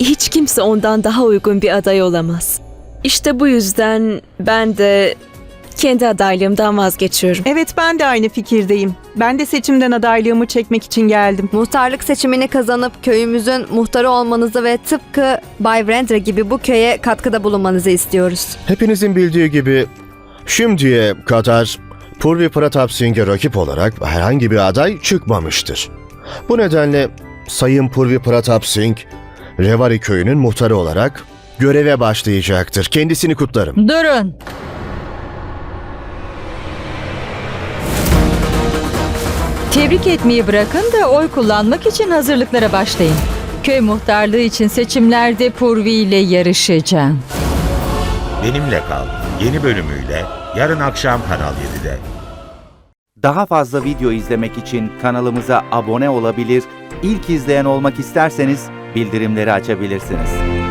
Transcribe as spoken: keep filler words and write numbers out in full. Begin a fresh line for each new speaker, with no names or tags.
hiç kimse ondan daha uygun bir aday olamaz. İşte bu yüzden ben de kendi adaylığımdan vazgeçiyorum.
Evet, ben de aynı fikirdeyim. Ben de seçimden adaylığımı çekmek için geldim.
Muhtarlık seçimini kazanıp köyümüzün muhtarı olmanızı ve tıpkı Bay Brandra gibi bu köye katkıda bulunmanızı istiyoruz.
Hepinizin bildiği gibi şimdiye kadar Purvi Pratap Singh'e rakip olarak herhangi bir aday çıkmamıştır. Bu nedenle Sayın Purvi Pratap Singh, Revari köyünün muhtarı olarak göreve başlayacaktır. Kendisini kutlarım.
Durun. Tebrik etmeyi bırakın da oy kullanmak için hazırlıklara başlayın. Köy muhtarlığı için seçimlerde Purvi ile yarışacağım.
Benimle Kal yeni bölümüyle yarın akşam Kanal yedide.
Daha fazla video izlemek için kanalımıza abone olabilir, ilk izleyen olmak isterseniz bildirimleri açabilirsiniz.